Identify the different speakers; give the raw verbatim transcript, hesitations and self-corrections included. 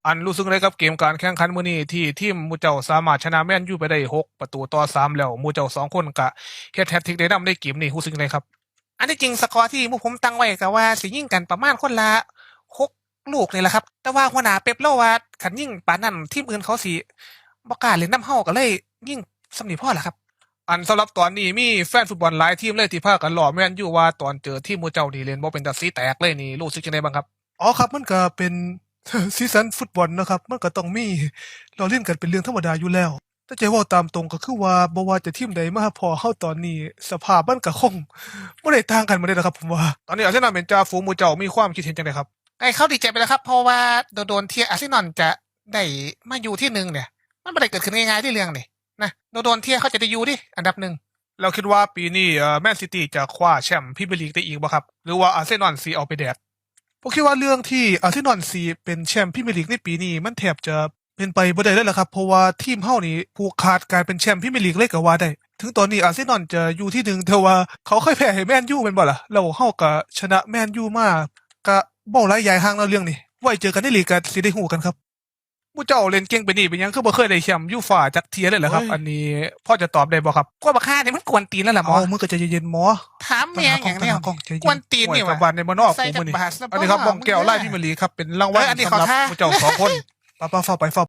Speaker 1: อันรู้สึกเลยกับเกมการแข่งขันมื้อนี้ที่ทีมหมู่เจ้าสามารถชนะแมนยูไปได้หกประตูต่อสามแล้วหมู่เจ้าสองคนก็เฮ็ดแฮตทริกได้นำในเกมนี้รู้สึกไงครับอันที่จริงสกอร์ที่พวกผมตั้งไว้ก็ว่าสิยิงกันประมาณคนละหกลูกนี่แหละครับแต่ว่าหัวหน้าเป๊ปเล่าว่าคันยิงปานนั้นทีมอื่นเขาสิบ่กล้าเล่นนำเฮาก็เลยยิงส่ำนี้พอล่ะครับอันสำหรับตอนนี้มีแฟนฟุตบอลหลายทีมเลยที่พากันล้อแม่นยูว่าตอนเจอทีมหมู่เจ้านี่เล่นบ่เป็นตาสีแตกเลยนี่รู้สึกจังไดบ้างครับอ๋อครับมันก็เป็น ซีซันฟุตบอลนะครับมันก็ต้องมีล้อเล่นกันเป็นเรื่องธรรมดาอยู่แล้วแต่จะเว้าตามตรงก็คือว่าบ่ว่าจะทีมใดมาพอเฮาตอนนี้สภาพมันก็คงบ่ได้ต่างกันมาเลยนะครับผมว่าตอนนี้อาร์เซนอลเป็นจ่าฝูงหมู่เจ้ามีความคิดเห็นจังไดครับไอ้เขาดีใจไปแล้วครับเพราะว่าโดนๆที่อาร์เซนอลจะได้มาอยู่ที่หนึ่งเนี่ยมันบ่ได้เกิดขึ้นง่ายๆที่เรื่องนี่นะโดนๆที่เขาจะได้อยู่ดิอันดับหนึ่งเราคิดว่าปีนี้เอ่อแมนซิตี้จะคว้าแชมป์พรีเมียร์ลีกได้อีกบ่ครับหรือว่าอาร์เซนอลสิเอาไปแดก ผมคิดว่าเรื่องที่อาร์เซนอลซีเป็นแชมป์พรีเมียร์ลีกในปีนี้มันแทบจะเป็นไปบ่ได้เลยล่ะครับเพราะว่าทีมเฮานี่ผูกขาดการเป็นแชมป์พรีเมียร์ลีกเลยก็ว่าได้ถึงตอนนี้อาร์เซนอลจะอยู่ที่หนึ่งแต่ว่าเขาเคยแพ้ให้แมนยูแม่นบ่ล่ะแล้วเฮาก็ชนะแมนยูมาก็บ่หลายอย่างห่างแล้วเรื่องนี้ไว้เจอกันในลีกก็สิได้ฮู้กันครับผู้เจ้าเล่นเก่งไปนี่เป็นหยังคือบ่เคยได้แชมป์ยูฟ่าจักเที่ยเลยเหรอครับอันนี้พอจะตอบได้บ่ครับกว่าบักห่านี่มันกวนตีนแล้วล่ะหมอเอามึงก็ใจเย็นๆหมอถามแม่งอย่างเดียวกวนตีนนี่ว่ะบ้านในบ่นอกกูมื้อนี้อันนี้ครับมองแก้วไล่พี่มะลีครับเป็นรางวัลสำหรับผู้เจ้าสองคนป้าๆเฝ้าไปเฝ้า